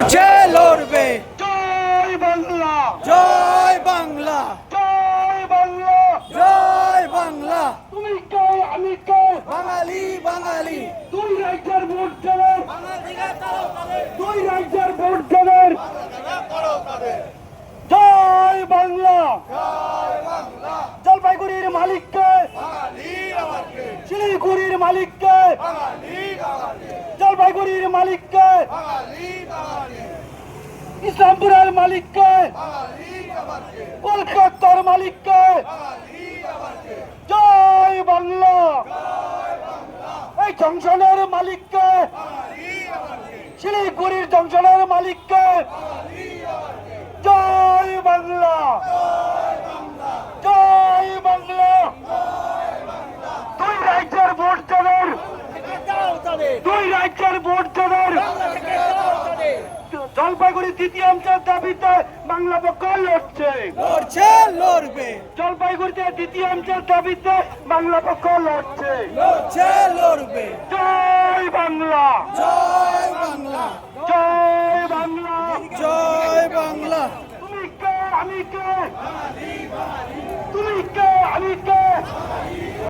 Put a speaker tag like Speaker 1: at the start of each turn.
Speaker 1: সে লড়বে।
Speaker 2: জয় বাংলা,
Speaker 1: জয় বাংলা,
Speaker 2: জয় বাংলা,
Speaker 1: জয় বাংলা।
Speaker 2: তুমি কে আমি কে,
Speaker 1: বাঙালি বাঙালি,
Speaker 2: দুই রাজ্যের ভোট দেবেন, দুই রাজ্যের ভোট দেবেন। জয় বাংলা, জলপাইগুড়ির মালিককে, শিলিগুড়ির মালিককে, জলপাইগুড়ির মালিককে, ইসলামপুরের মালিককে, কলকাতার মালিককে। জয় বাংলা, এই জংশনের মালিককে, শিলিগুড়ির জংশনের মালিককে। জয় বাংলা, জয় বাংলা। দুই রাজ্যের ভোট দেবেন, দুই রাজ্যের ভোট দেবেন। জলপাইগুড়ি তৃতীয়াংশের দাবিতে বাংলা পক্ষ লড়ছে,
Speaker 1: লড়ছে লড়বে,
Speaker 2: জলপাইগুড়িতে তৃতীয়াংশের দাবিতে বাংলা পক্ষ লড়ছে।
Speaker 1: লড়ছে লড়বে।
Speaker 2: জয় বাংলা,
Speaker 1: জয় বাংলা,
Speaker 2: জয় বাংলা।
Speaker 1: জয় বাংলা।
Speaker 2: তুমি কে আমি কে, তুমি কে আমি কে।